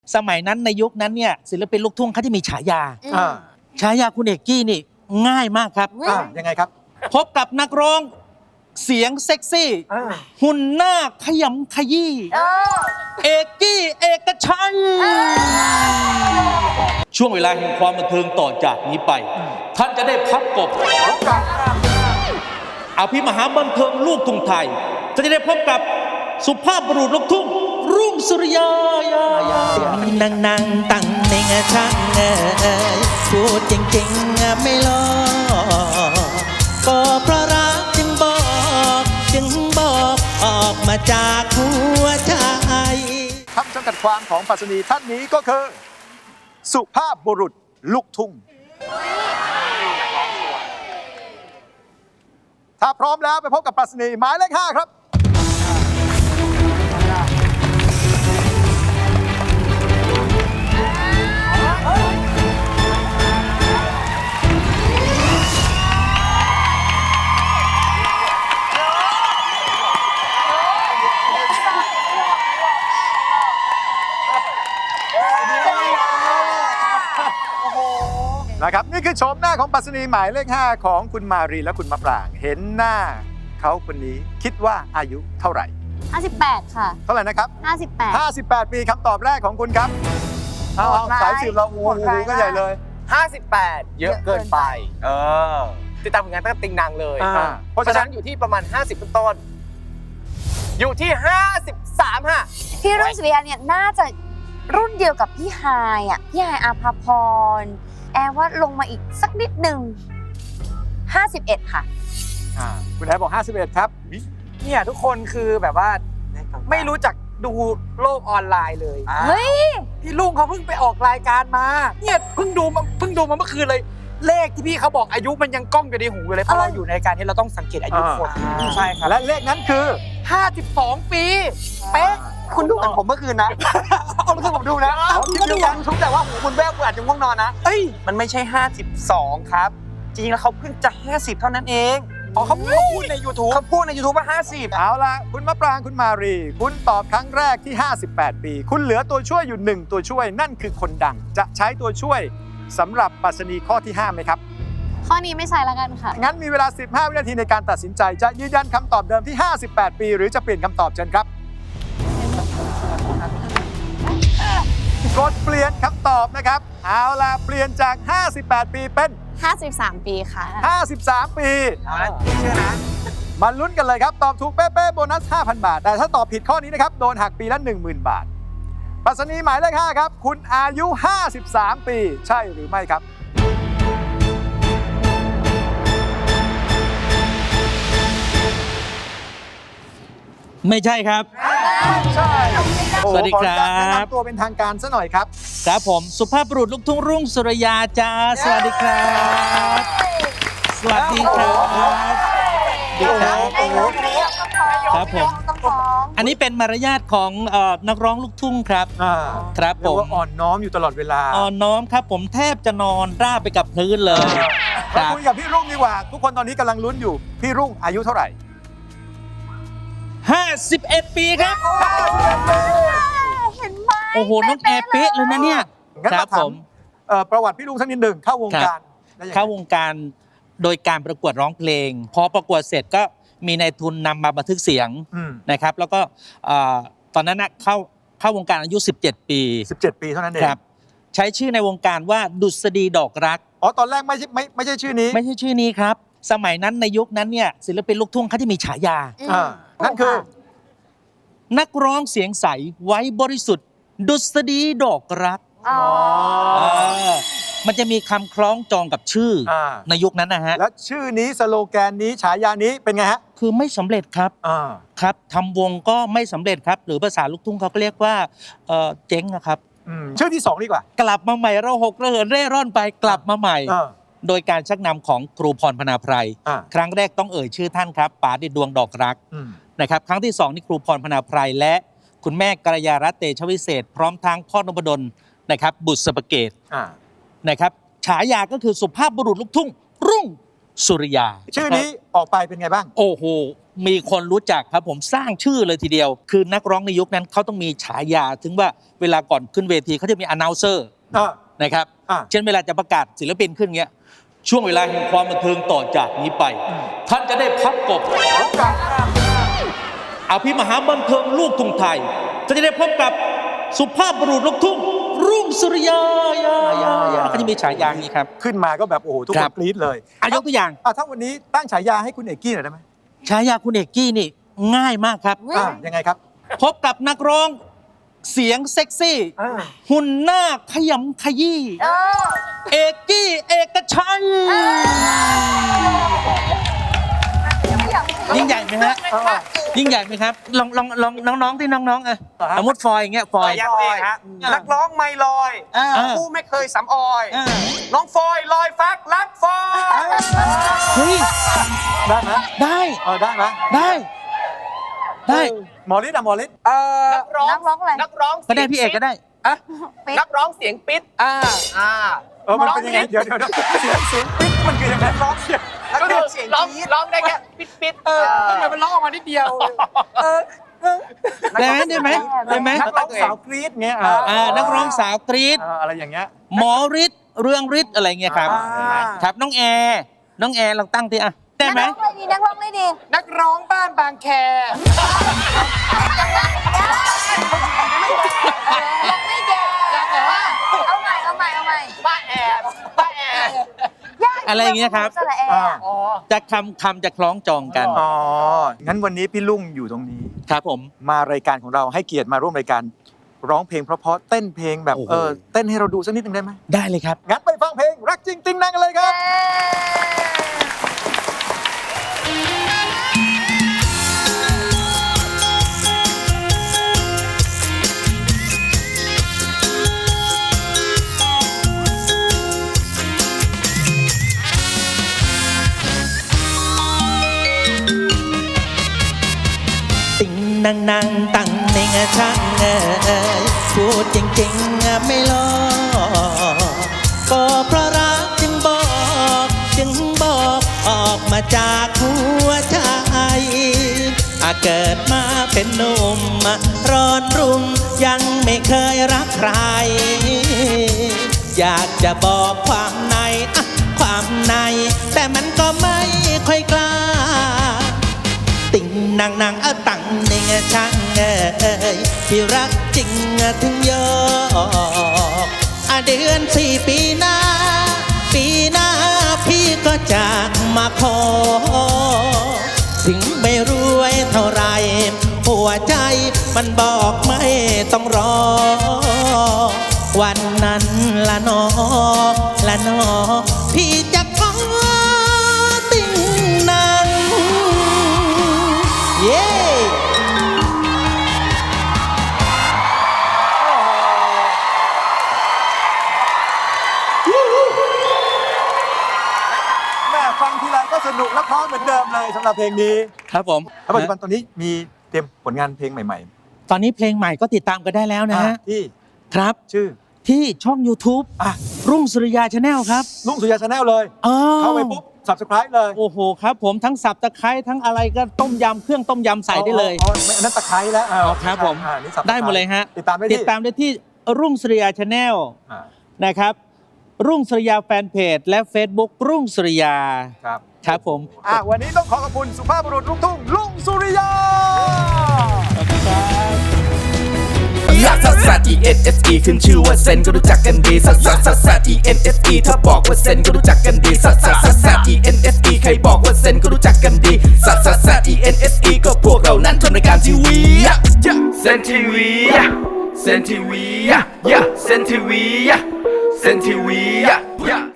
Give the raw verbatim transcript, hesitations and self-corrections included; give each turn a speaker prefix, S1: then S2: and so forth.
S1: สมัยนั้นในยุคนั้นเนี่ยศิลปินลูกทุ่งเขาจะมีฉายาฉายาคุณเอกกี้นี่ง่ายมากครับ
S2: ยังไงครับ
S1: พบกับนักร้องเสียงเซ็กซี่หุ่นหน้าขยำขยี้เอกกี้เอกชัยช่วงเวลาแห่งความบันเทิงต่อจากนี้ไปท่านจะได้พับกบอภิมหาบันเทิงลูกทุ่งไทยจะได้พบกับสุภาพบุรุษลูกทุ่งรุ่งสุริยานั่งนั่งตั้งในงานช่างเอ่ยพูดจริงๆไม่ล้อก็เพราะรักจึงบอกจึงบอกออกมาจากหัวใจ
S2: คำจำกัดความของปรัชนีท่านนี้ก็คือสุภาพบุรุษลูกทุ่งถ้าพร้อมแล้วไปพบกับปรัชนีหมายเลขห้าครับนะครับนี่คือโฉมหน้าของปรัชนีหมายเลขห้าของคุณมารีและคุณมะปรางเห็นหน้าเขาคนนี้คิดว่าอายุเท่าไหร่
S3: ห้าสิบแปดค่ะ
S2: เท่าไหร่นะครับ
S3: ห้าสิบแปด
S2: ห้าสิบแปดปีคำตอบแรกของคุณครับเอาสายสืบเราอูหูก็ใหญ่เลย
S4: ห้าสิบแปดเยอะเกินไปเออติดตามผลงานตั้งแต่ติงนางเลยเพราะฉะนั้นอยู่ที่ประมาณห้าสิบต้นอยู่ที่ห้าสิบสามฮะ
S3: พี่รุ่งสุริยาเนี่ยน่าจะรุ่นเดียวกับพี่ไฮอ่ะพี่ไฮอาภาพรแอร์ว่าลงมาอีกสักนิดหนึ่งห้าสิบเอ็ดค่ะ
S2: คุณแอร์บอกห้าสิบเอ็ดครับ
S4: เนี่ยทุกคนคือแบบว่าไม่รู้จักดูโลกออนไลน์เลย
S3: เฮ้ย
S4: พี่ลุงเขาเพิ่งไปออกรายการมาเนี่ยเพิ่งดูมาเพิ่งดูมาเมื่อคืนเลยเลขที่พี่เขาบอกอายุมันยังก้องอยู่ในหูอยู่เลยเพราะเราอยู่ในการที่เราต้องสังเกตอายุคน
S2: ใช่ครับและเลขนั้นคือ
S4: ห้าสิบสองปีเป๊ะ
S5: คุณดูเหมือนผมเมื่อคืนนะเอาเมื่อคืนผมดูนะคุณก็ดูกันทุกแต่ว่าหูคุณแววคุณอาจจะง่วงนอนนะเอ้ยมันไม่ใช่ห้าสิบสองครับจริงๆแล้วเขาเพิ่งจะห้าสิบเท่านั้นเอง
S4: อ๋อเขาพูดใน YouTube
S5: เขาพูดใน YouTube ว่าห้าสิบ
S2: เอาล่ะคุณมะปรางคุณมารีคุณตอบครั้งแรกที่ห้าสิบแปดปีคุณเหลือตัวช่วยอยู่หนึ่งตัวช่วยนั่นคือคนดังจะใช้ตัวช่วยสำหรับปรัชนีข้อที่ห้าไหมครับ
S3: ข้อนี้ไม่ใช่แล้วกันค่ะ
S2: งั้นมีเวลาสิบห้าวินาทีในการตัดสินใจจะยืนยันคำตอบเดิมที่ห้าสิบแปดปีหรือจะเปลี่ยนคำตอบเชิญครับกดเปลี่ยนคำตอบนะครับเอาล่ะเปลี่ยนจากห้าสิบแปดปีเป็น
S3: ห้าสิบสามปีค่ะ
S2: ห้าสิบสามปีเอาละเชื่อนะมาลุ้นกันเลยครับตอบถูกเป๊ะๆโบนัส ห้าพัน บาทแต่ถ้าตอบผิดข้อนี้นะครับโดนหักปีละ หนึ่งหมื่น บาทปรัชนีหมายเลขห้าครับคุณอายุห้าสิบสามปีใช่หรือไม่ครับ
S1: ไม่ใช่ครับ
S2: ใช่
S1: สวัสดีครับ
S2: แนะนำตัวเป็นทางการซะหน่อยครับ
S1: ครับผมสุภาพบุรุษลูกทุ่งรุ่งสุริยาจ้าสวัสดีครับสวัสดีครับดีครับครับผมอันนี้เป็นมารยาทของนักร้องลูกทุ่งครับครับผม
S2: อ่อนน้อมอยู่ตลอดเวลา
S1: อ่อนน้อมครับผมแทบจะนอนราบไปกับพื้นเลย
S2: มาคุยกับพี่รุ่งดีกว่าทุกคนตอนนี้กำลังลุ้นอยู่พี่รุ่งอายุเท่าไหร่
S1: ห้าสิบเอ็ดปีครับ
S3: เห็นไหม
S1: โอ้โหน้องแอร์เป๊ะเลยนะเนี่ย
S2: ครับผมประวัติพี่ลุงสักนิดหนึ่งเข้าวงการ
S1: เข้าวงการโดยการประกวดร้องเพลงพอประกวดเสร็จก็มีนายทุนนำมาบันทึกเสียงนะครับแล้วก็ตอนนั้นนะเข้าเข้าวงการอายุสิบเจ็ดปี
S2: สิบเจ็ดปีเท่านั้นเอง
S1: ครับใช้ชื่อในวงการว่าดุษฎีดอกรัก
S2: อ๋อตอนแรกไม่ใช่ไม่ไม่ใช่ชื่อนี้
S1: ไม่ใช่ชื่อนี้ครับสมัยนั้นในยุคนั้นเนี่ยศิลปินลูกทุ่งเขาจะมีฉายา
S2: นั่นคือ
S1: นักร้องเสียงใสไว้บริสุทธิ์ดุษฎีดอกรักมันจะมีคำคล้องจองกับชื่อในยุคนั้นนะฮะ
S2: แล้วชื่อนี้สโลแกนนี้ฉายานี้เป็นไงฮะ
S1: คือไม่สำเร็จครับครับทำวงก็ไม่สำเร็จครับหรือภาษาลูกทุ่งเขาก็เรียกว่าเจ๊งนะครับ
S2: ชื่อที่สองดีกว่าก
S1: ลับมาใหม่เราหกระเหินเร่ร่อนไปกลับมาใหม่โดยการชักนำของครูพรพนาไพรครั้งแรกต้องเอ่ยชื่อท่านครับป๋าดิดดวงดอกรักนะครับครั้งที่สองนี่ครูพรพนาไพรและคุณแม่กัลยารัตน์เตชะวิเศษพร้อมทั้งพ่อนพดลนะครับบุษบเกตนะครับฉายาก็คือสุภาพบุรุษลูกทุ่งรุ่งสุริยา
S2: ชื่อนี้ออกไปเป็นไงบ้าง
S1: โอ้โห มีคนรู้จักครับผมสร้างชื่อเลยทีเดียว คือนักร้องในยุคนั้นเขาต้องมีฉายา ถึงว่าเวลาก่อนขึ้นเวทีเขาจะมี announcer
S2: อ่า
S1: นะครับ
S2: อ่า
S1: เช่นเวลาจะประกาศศิลปินขึ้นเงี้ย ช่วงเวลาแห่งความบันเทิงต่อจากนี้ไป ท่านจะได้พับกบอภิมหาบันเทิงลูกทุ่งไทยท่านจะได้พบกับสุภาพบุรุษลูกทุ่งรุ่งสุริยายาเขาจะมีฉายาอย่างนี้ครับ
S2: ขึ้นมาก็แบบโอ้โหทุก
S1: ค
S2: ค
S1: รั
S2: น
S1: บ
S2: กรี๊ดเลย
S1: อายกตัวอย่าง
S2: อ่ะถ้าวันนี้ตั้งฉายาให้คุณเอกกี้หน่อยได้ไหม
S1: ฉายาคุณเอกกี้นี่ง่ายมากครับ
S2: อ่ายังไงครับ
S1: พบกับนักร้องเสียงเซ็กซี่ หุ่นหน้าขยำขยี้
S3: เออ
S1: เอกกี้เอกชัย ยิ่งใหญ่ไหมฮะ ยิ่งใหญ่ไหมครับ ลองลองลองน้องๆที่น้องๆอ่ะสมมติฟอยอย่างเงี้ยฟอย
S5: ยักษ์เองฮะนักร้องไม่ลอย
S1: อ่า
S5: ผู้ไม่เคยสำออย
S1: อ่า
S5: น้องฟอยลอยฟักรักฟอย
S1: เฮ้ย
S2: ได้ไหม
S1: ได้
S2: เออได้ไหม
S1: ได้ ได้
S2: หมอฤทธิ์อะหมอฤทธิ์
S5: เอ่อ
S4: นักร้อง
S3: นักร้องอะไร
S4: นักร้อง
S1: ก็ได้พี่เอกก็ได้
S5: อ่ะ
S3: ปิ๊ด
S4: นักร้องเสียงปิด
S5: อ่า
S4: อ่า
S2: เออมันเป็นยังไงเดี๋ยวเดี๋ยวเดี๋ยวเสียงเสียงปิ๊กมันคือยังไงร้องเสียง
S5: แล้ว
S4: ก็
S5: ก็
S4: คือ
S5: เสียง
S4: ร้อง
S5: กรี๊ด
S4: ร้องได้แค่ปิดปิด
S5: เออทำไมมันร้องออกมานิดเดียวเออเออ
S1: ได้ไหมได้ไหมได้ไหม
S2: นักร้องสาวกรี๊ดเงี้ยอ่า
S1: อ่านักร้องสาวกรี๊ด
S2: เอออะไรอย่างเงี้ย
S1: หมอฤทธิ์เรื่องฤทธิ์อะไรเงี้ยครับ
S5: อ่า
S1: ครับน้องแอร์น้องแอร์ลองตั้งทีอ่ะได้ไหม
S3: นักร้องอะไรดีนักร้องอะไรดี
S5: นักร้องบ้านบางแค
S3: ยังไม่แก่เอาใหม่เอาใหม่เอาใหม่
S4: บ้าแอบบ้าแอบ
S3: ยาก
S1: อะไรอย่างเงี้ยครับ
S3: สระแอ
S2: อ่า
S3: ร์
S4: อ๋อ
S1: จะคำคำจะคล้องจองกัน
S2: อ๋อ งั้นวันนี้พี่ลุงอยู่ตรงนี้
S1: ครับผม
S2: มารายการของเราให้เกียรติมาร่วมรายการร้องเพลงเพราะๆเต้นเพลงแบบ
S1: โอ้โห
S2: เออเต้นให้เราดูสักนิดหนึงได้ไหม
S1: ได้เลยครับ
S2: งั้นไปฟังเพลงรักจริงติงนังกันเลยครับ
S1: ติงนางนางตังในงะช่างเอ่ยพูดจริงๆอะไม่หลอกก็เพราะรักจึงบอก จึงบอกออกมาจากหัวใจอาเกิดมาเป็นหนุ่มอะร้อนรุ่มยังไม่เคยรักใคร อยากจะบอกความในอะความใน แต่มันก็ไม่ค่อยกล้า ติ่งนางนางเอาตังในงะช่างเอ่ยที่รักจริงถึงยอกอ่ะเดือนสี่ปีหน้า ปีหน้าพี่ก็จะมาขอ ถึงไม่รวยเท่าไรหัวใจมันบอกไม่ต้องรอ วันนั้นละนอละนอพี่จะขอติ่งนาง เย้
S2: แม่ฟังทีไรก็สนุกและเพราะเหมือนเดิมเลยสำหรับเพลงนี้
S1: ครับผม
S2: แล้วปัจจุบันตอนนี้มีเตรียมผลงานเพลงใหม่
S1: ตอนนี้เพลงใหม่ก็ติดตามกันได้แล้ว
S2: ๆ
S1: นะ
S2: อ่ะ
S1: ฮะ
S2: ที่
S1: ครับ
S2: ชื่อ
S1: ที่ช่อง YouTube
S2: อ่ะ
S1: รุ่งสุริยาชาแนลครับ
S2: ลุงสุริยาชาแนลเลย
S1: อ๋อ
S2: เข้าไปปุ๊บ subscribe เลย
S1: โอ้โหครับผมทั้งสับตะไคร้ทั้งอะไรก็ต้มยำเครื่องต้มยำใส่ได้เลย
S2: อ๋ออ๋ออันนั้นตะไคร้แล้วอ่า
S1: อ๋อครับผม
S2: อ่านี่ subscribe
S1: ได้หมดเลยฮะ
S2: ติดตามได้
S1: ติ
S2: ที่
S1: ดตามได้ที่รุ่งสุริยาชาแนล
S2: อ่า
S1: นะครับ รุ่งสุริยาแฟนเพจและ Facebook รุ่งสุริยา
S2: ครับ
S1: ครับผม
S2: อ่ะวันนี้ต้องขอขอบคุณสุภาพบุรุษลูกทุ่งลุงสุริยา
S1: ขอบคุณครับ
S6: ลักซัสซัส E N S E ขึ้นชื่อว่าเซนก็รู้จักกันดีซัสซัสซัสซัส E N S E ถ้าบอกว่าเซนก็รู้จักกันดีซัสซัสซัสซัส E N S E ใครบอกว่าเซนก็รู้จักกันดีซัสซัสซัส E N S E ก็พวกเรานั้นทำรายการทีวีเซนทีวีเซนทีวีเซนทีวีเซนทีวี